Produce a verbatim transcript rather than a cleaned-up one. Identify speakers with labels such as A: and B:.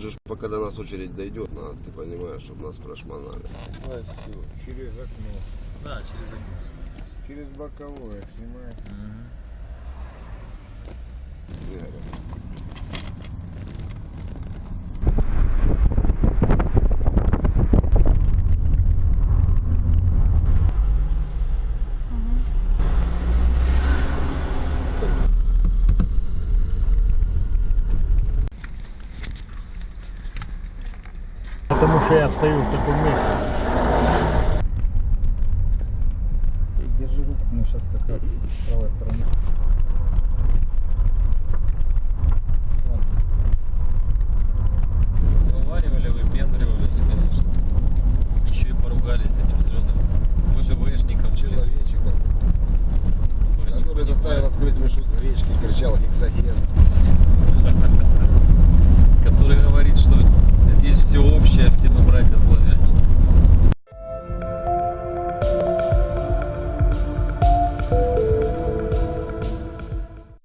A: же, ж, пока до нас очередь дойдет, надо, ты понимаешь, чтобы нас прошмонали.
B: А, все, через окно.
C: Да, через окно.
B: Через боковое снимаешь.
C: Угу.
D: Потому что я стою в таком месте.
E: Держи руку, мы сейчас как раз с правой стороны.
C: Вываривали, выпендривались, конечно. Еще и поругались с этим зеленым ВДВшником.
A: Человечиком,
C: Который,
A: который заставил открыть мешок гречки, кричал гексоген.